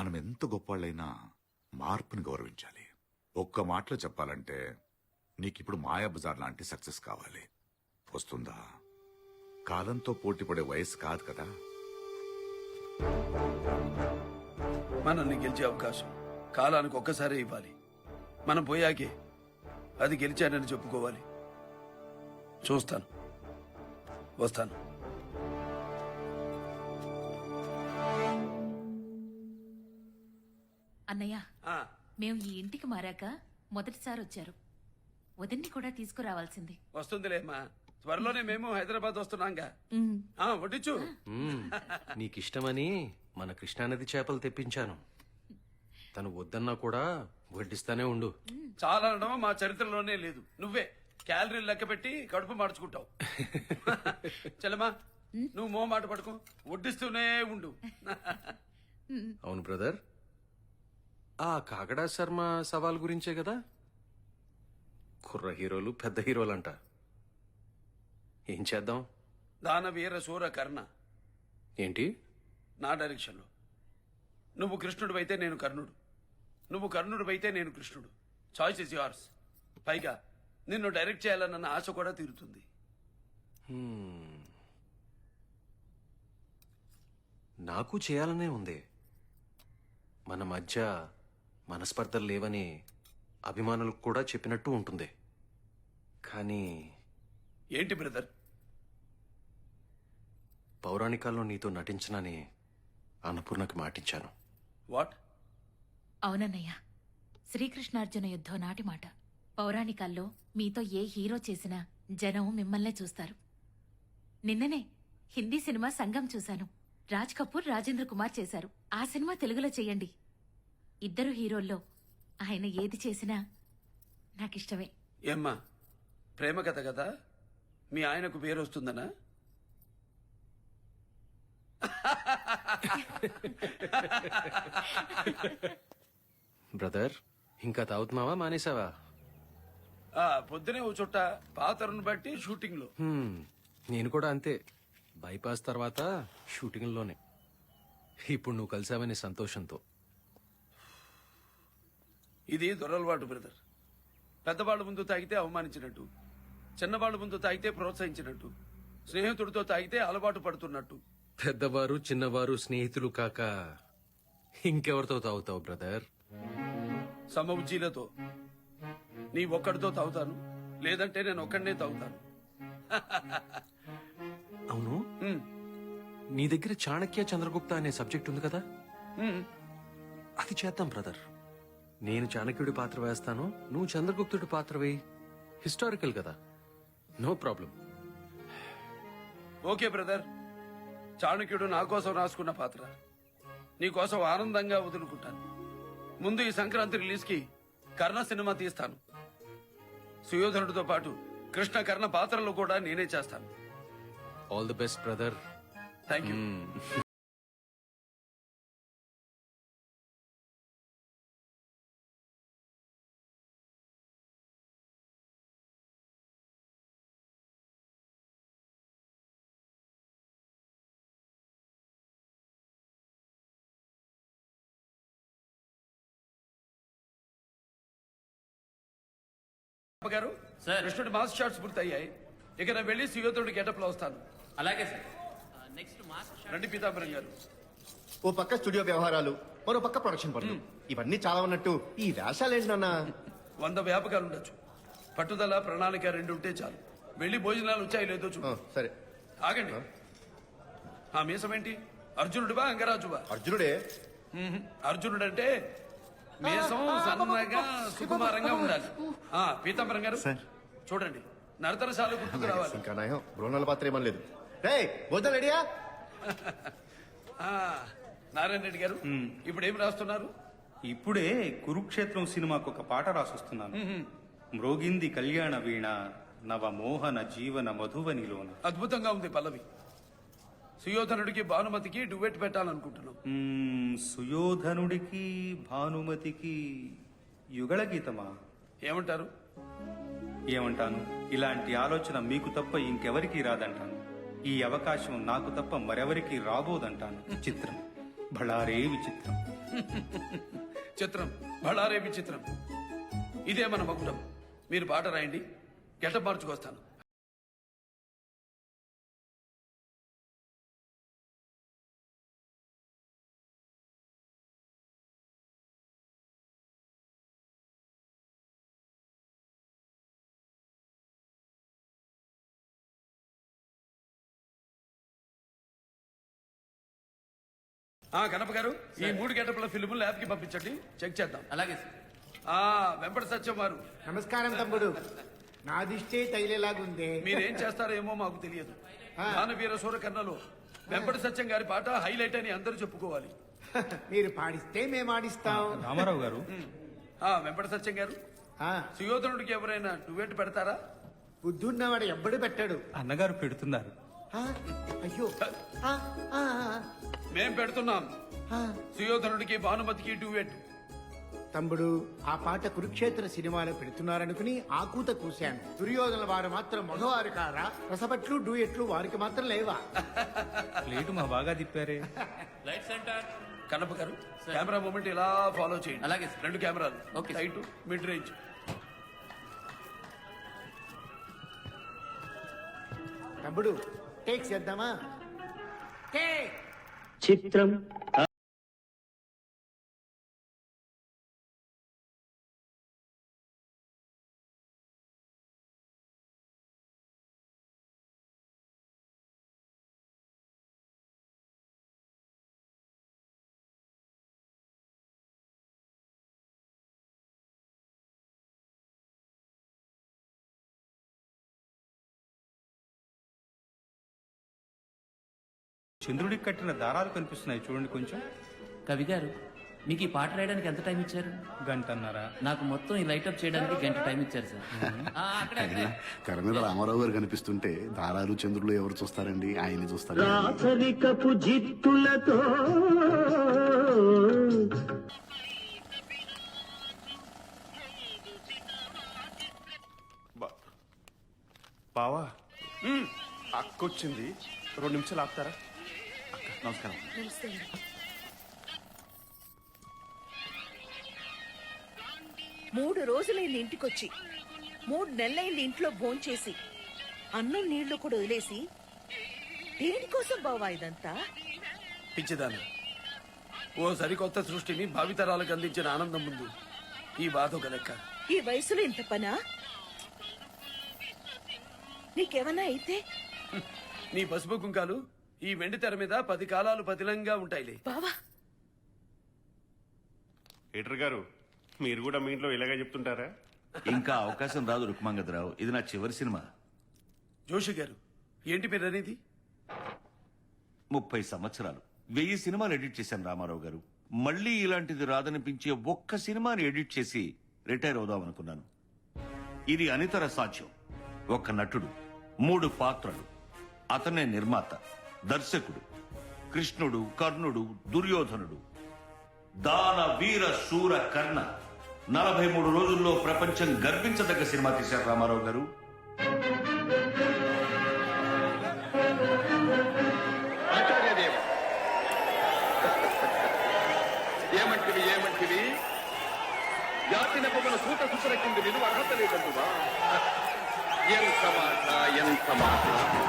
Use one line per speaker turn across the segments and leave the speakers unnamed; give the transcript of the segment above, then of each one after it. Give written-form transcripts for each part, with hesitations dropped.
మనం ఎంత గొప్పవాళ్ళైనా మార్పుని గౌరవించాలి. ఒక్క మాటలో చెప్పాలంటే నీకిప్పుడు మాయాబజార్ లాంటి సక్సెస్ కావాలి. వస్తుందా? కాలంతో పోటీ పడే వయసు కాదు కదా.
మనల్ని గెలిచే అవకాశం కాలానికి ఒక్కసారి ఇవ్వాలి. మనం పోయాకే అది గెలిచానని చెప్పుకోవాలి. చూస్తాను, వస్తాను.
అన్నయ్య,
ఆ,
మేము ఈ ఇంటికి మారాక మొదటిసారి వచ్చారు. వదిన్ని కూడా తీసుకురావాల్సింది.
వస్తుందిలేమ్మా. త్వరలోనే మేము హైదరాబాద్ వస్తున్నాంగా. వడ్డించు.
నీకిష్టమని మన కృష్ణానది చేపలు తెప్పించాను. తను వద్దన్నా కూడా వడ్డిస్తానే ఉండు.
చాలా అనడం మా చరిత్రలోనే లేదు. నువ్వే క్యాలరీలు లెక్క పెట్టి కడుపు మార్చుకుంటావు. చలమా, నువ్వు మో మాట పడుకో, వడ్డిస్తూనే ఉండు.
అవును బ్రదర్, ఆ కాకడా శర్మ సవాల్ గురించే కదా. కుర్ర హీరోలు పెద్ద హీరోలంట. ఏం చేద్దాం?
దానవీర శూర కర్ణ
ఏంటి?
నా డైరెక్షన్లో. నువ్వు కృష్ణుడు అయితే నేను కర్ణుడు, నువ్వు కర్ణుడు అయితే నేను కృష్ణుడు. Choice is yours. పైగా నిన్ను డైరెక్ట్ చేయాలన్న ఆశ కూడా తీరుతుంది.
నాకు చేయాలనే ఉంది. మన మధ్య మనస్పర్ధలు లేవని అభిమానులకు కూడా చెప్పినట్టు ఉంటుంది. కానీ
ఏంటి బ్రదర్?
పౌరాణికాల్లో నీతో నటించనని అన్నపూర్ణకి మాటించాను.
వాట్?
అవునన్నయ్య, శ్రీకృష్ణార్జున యుద్ధం నాటి మాట. పౌరాణికాల్లో మీతో ఏ హీరో చేసినా జనం మిమ్మల్నే చూస్తారు. నిన్ననే హిందీ సినిమా సంగం చూశాను. రాజ్ కపూర్, రాజేంద్ర కుమార్ చేశారు. ఆ సినిమా తెలుగులో చెయ్యండి. ఇద్దరు హీరోల్లో ఆయన ఏది చేసినా నాకిష్టమే.
ఏమ్మా, ప్రేమ కథ కదా, మీ ఆయనకు పేరు వస్తుందనా?
బ్రదర్, ఇంకా తాగుతున్నావా మానేసావా?
పొద్దునే ఓ చుట్ట, పాతరును బట్టి షూటింగ్ లో.
నేను కూడా అంతే. బైపాస్ తర్వాత షూటింగ్లోనే. ఇప్పుడు నువ్వు కలిసావనే సంతోషంతో.
ఇది దొరలవాటు బ్రదర్. పెద్దవాళ్ళ ముందు తాగితే అవమానించినట్టు, చిన్నవాళ్ళ ముందు తాగితే ప్రోత్సహించినట్టు, స్నేహితుడితో తాగితే అలవాటు పడుతున్నట్టు.
పెద్దవారు చిన్నవారు స్నేహితులు కాక ఇంకెవరితో తాగుతావు బ్రదర్?
సమవుజ్జీలతో. నీ ఒక్కడితో తాగుతాను, లేదంటే నేను ఒక్కడనే తాగుతాను.
అవును, నీ దగ్గర చాణక్య చంద్రగుప్త అనే సబ్జెక్ట్ ఉంది కదా, అది చేద్దాం బ్రదర్. నేను చాణక్యుడి పాత్ర వేస్తాను, నువ్వు చంద్రగుప్తుడి పాత్ర వేయి. హిస్టారికల్ కదా, నో ప్రాబ్లం.
Okay brother. చాణక్యుడు నా కోసం రాసుకున్న పాత్ర నీ కోసం ఆనందంగా వదులుకుంటాను. ముందు ఈ సంక్రాంతి రిలీజ్ కి కర్ణ సినిమా తీస్తాను. సుయోధనుడితో పాటు కృష్ణ కర్ణ పాత్రలు కూడా నేనే చేస్తాను.
All the best brother.
Thank you. Garu, కృష్ణుడి మాస్ షాట్స్ పూర్తయ్యాయి. ఇక నేను వెళ్ళి సుయోధనుడి గెటప్ లో వస్తాను.
అలాగే సార్. నెక్స్ట్
రండి పీతాంబరం గారు.
ఓ పక్క స్టూడియో వ్యవహారాలు, మరో పక్క ప్రొడక్షన్ పనులు, ఇవన్నీ చాలా ఉన్నట్టు ఈ వేషాలు ఏంటన్నా?
100 వ్యాపకాలు ఉండొచ్చు. పట్టుదల, ప్రణాళిక రెండు ఉంటే చాలు. వెళ్ళి భోజనాలు వచ్చాయి లేదో చూడు.
సరే
ఆగండి. ఆ మీసం ఏంటి? అర్జునుడివా అంగరాజువా?
అర్జునుడే.
అర్జునుడంటే మీసం సన్నగా సుకుమారంగా ఉండాలి. పీతాంబరం గారు చూడండి, నరతరశాలు గుర్తుకు రావాలి.
ఇంకా నయం, బృహణాల పాత్ర ఏమనలేదు. రే భోజనం రెడీయా?
నారాయణ రెడ్డి గారు, ఇప్పుడు ఏం రాస్తున్నారు?
ఇప్పుడే కురుక్షేత్రం సినిమాకు ఒక పాట రాసొస్తున్నాను. మ్రోగింది కళ్యాణ వీణ నవమోహన జీవన మధువనిలోన.
అద్భుతంగా ఉంది పల్లవి. సుయోధనుడికి భానుమతికి డువెట్ పెట్టాలనుకుంటున్నాం.
సుయోధనుడికి భానుమతికి యుగళ గీతమా?
ఏమంటారు?
ఏమంటాను, ఇలాంటి ఆలోచన మీకు తప్ప ఇంకెవరికీ రాదంటాను. ఈ అవకాశం నాకు తప్ప మరెవరికి రాబోదంటాను. చిత్రం, బళారే విచిత్రం.
చిత్రం బళారే విచిత్రం. ఇదే మన మకుటం. మీరు పాట రాయండి, గెటప్ మార్చుకొస్తాను. కనప గారు, ఈ 3 గంటల ఫిల్మ్ ల్యాబ్ కి పంపించండి, చెక్ చేద్దాం.
అలాగే సార్.
వెంపటి సత్యం వారు,
నమస్కారం తమ్ముడు. నా దిష్టే తైలేలాగుందే.
మీరేం చేస్తారేమో మాకు తెలియదు. దానవీర సూరకర్ణలో వెంపటి సత్యం గారి పాట హైలైట్ అని అందరూ చెప్పుకోవాలి.
మీరు పాడిస్తే మేము ఆడిస్తాం.
రామారావు గారు,
వెంపటి సత్యం గారు,
ఆ,
సుయోధనుడికి ఎవరైనా డువెట్ పెడతారా?
బుద్ధున్నవాడు ఎవ్వడు పెట్టాడు.
అన్నగారు పెడుతున్నారు.
ఆ, అయ్యో. ఆ, ఆ,
మేం పెడుతున్నాం.
ఆ.
సుయోధనుడికి భానుమతికి డువెట్.
తమ్ముడు, ఆ పాట కురుక్షేత్ర సినిమాలో పెడుతున్నారనుకుని ఆకూత కూశాను. దుర్యోధన వారు మాత్రం మగవారు కారా? రసపట్లు డూయెట్లు వారికి మాత్రం లేవా?
ప్లేటు మా బాగా తిప్పారే.
Light centre.
కనప గారు, కెమెరా మూమెంట్ ఇలా ఫాలో చేయండి.
అలాగే సార్.
2 కెమెరాలు,
ఓకే.
Light, mid range.
తమ్ముడు, టేక్ చేద్దామా? టేక్.
చిత్రం
చంద్రుడికి కట్టిన దారాలు కనిపిస్తున్నాయి చూడండి కొంచెం.
కవి గారు, మీకు ఈ పాట రాయడానికి ఎంత టైం ఇచ్చారు?
గంటన్నారా?
నాకు మొత్తం ఈ లైట్ అప్ చేయడానికి గంట టైం ఇచ్చారు సార్. అక్కడే.
తెర మీద రామారావు గారు కనిపిస్తుంటే దారాలు చంద్రులు ఎవరు చూస్తారండి? ఆయన్ని చూస్తారు.
రాచరికపు జిత్తులతో
బావా, అక్కొచ్చింది, 2 నిమిషాలు ఆపుతారా?
నమస్కారం.
3 రోజులైంది ఇంటికొచ్చి, 3 నెలలైంది ఇంట్లో భోంచేసి, అన్నం నీళ్లు కూడా వదిలేసి, దేనికోసం బావా ఇదంతా?
పిచ్చిదాన్ని, ఓ సరికొత్త సృష్టిని భావితరాలకు అందించిన ఆనందం ముందు ఈ బాధ ఒక లెక్క.
ఈ వయసులో ఇంత పనా? నీకేమన్నా అయితే?
నీ పసుపు కుంకాలు ఈ వెండి తెర మీద 10 కాలాలు పతిలంగా ఉంటాయిలే.
బావా,
ఎటర్ గారు, మీరు కూడా మీ ఇంట్లో ఇలాగే చెప్తుంటారా?
ఇంకా అవకాశం రాదు రుక్మాంగదరావు, ఇది నా చివరి సినిమా.
జోషి గారు, ఏంటి పేరు అనేది?
30 సంవత్సరాలు 1000 సినిమాలు ఎడిట్ చేశాను రామారావు గారు. మళ్ళీ ఇలాంటిది రాదనిపించే ఒక్క సినిమాని ఎడిట్ చేసి రిటైర్ అవుదాం అనుకున్నాను. ఇది అనితర సాధ్యం. ఒక నటుడు, 3 పాత్రలు, అతనే నిర్మాత, దర్శకుడు, కృష్ణుడు, కర్ణుడు, దుర్యోధనుడు, దాన వీర శూర కర్ణ. 43 రోజుల్లో ప్రపంచం గర్వించదగ్గ సినిమా తీశారు రామారావు గారు.
ఏమంటివి జాతిన పొగల సూత సుతర కింద విలువ అర్హత లేదంటువా? ఎంత మాట, ఎంత మాట.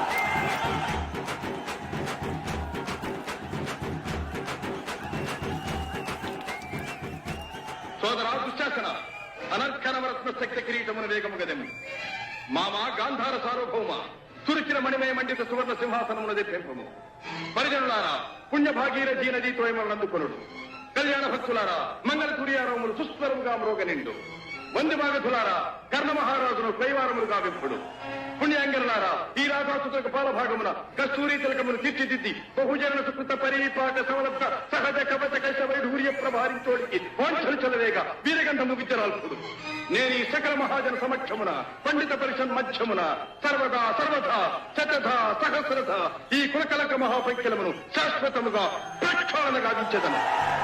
సోదరా దుశ్శాసన, అనర్ఘనవరత్న శక్తి కిరీటమున వేగము గదెము. మామ గాంధార సార్వభౌమ, తురికిన మణిమయ మండిత సువర్ణ సింహాసనమునది పెంపము. పరిజనులారా, పుణ్యభాగీరథీ నదీ తోయమనందుకొనుడు. కళ్యాణ భక్తులారా, మంగళ తుర్యారములు సుస్వరముగా మ్రోగనిండు. వంది మాగధులారా, కర్ణ మహారాజును కైవారములుగా విప్పుడు. పుణ్యాంగనులారా, ఈ రాధాసుతులకు పాలభాగమున కస్తూరి తిలకమును తీర్చిదిద్ది బహుజన సుకృత పరిపాక సమలబ్ధ సహజ కవచ కైశ వైఢూర్య ప్రభారించోడికి వాంఛలు చలవేగా వీరగంధ ముగిచరాల్పుడు. నేను ఈ సకల మహాజన సమక్షమున పండిత పరిషత్ మధ్యమున సర్వదా సర్వదా శతధ సహస్రధ ఈ కులకలక మహాపైక్యలమును శాశ్వతముగా ప్రక్షాళన గావించదను.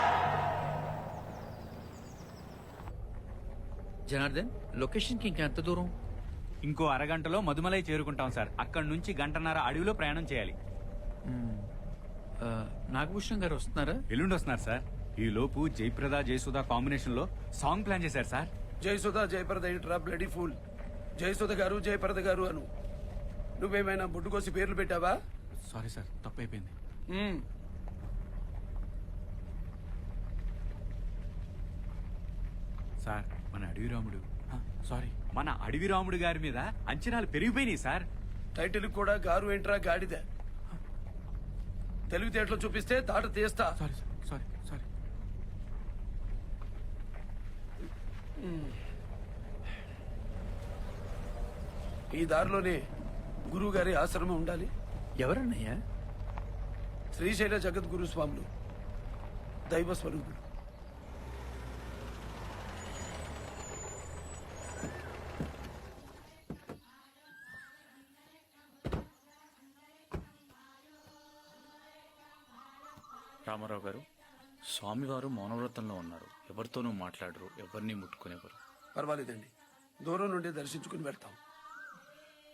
జనార్దన్, లొకేషన్ కి ఇంకా ఎంత దూరం?
ఇంకో అరగంటలో మధుమలై చేరుకుంటాం సార్. అక్కడి నుంచి 1.5 గంటల అడవిలో ప్రయాణం చేయాలి.
నాగభూషణం గారు వస్తున్నారా?
ఎల్లుండి వస్తున్నారు సార్. ఈ లోపు జయప్రద జయసుధ కాంబినేషన్ లో సాంగ్ ప్లాన్ చేశారు సార్.
జయసుధ జయప్రద ఏంట్రా బ్లడీ ఫూల్. జయసుధ గారు జయప్రద గారు అను. నువ్వేమైనా బుడ్డుకోసి పేర్లు పెట్టావా?
సారీ సార్, తప్పైపోయింది.
మ్మ్.
సార్ మన అడవి రాముడు సారీ మన అడవి రాముడు గారి మీద అంచనాలు పెరిగిపోయినాయి సార్.
టైటిల్ కూడా గారు ఏంట్రా గాడిద. తెలివితేటలు చూపిస్తే తాట తీస్తా.
Sorry sir, sorry.
ఈ దారిలోనే గురువు గారి ఆశ్రమం ఉండాలి.
ఎవరన్నయ్యా?
శ్రీశైల జగద్గురు స్వాములు, దైవ స్వరూపుడు.
రామారావు గారు, స్వామివారు మౌనవ్రతంలో ఉన్నారు. ఎవరితోనూ మాట్లాడరు, ఎవరిని ముట్టుకునేవారు.
పర్వాలేదండి, దూరం నుండి దర్శించుకుని వెళ్తాం.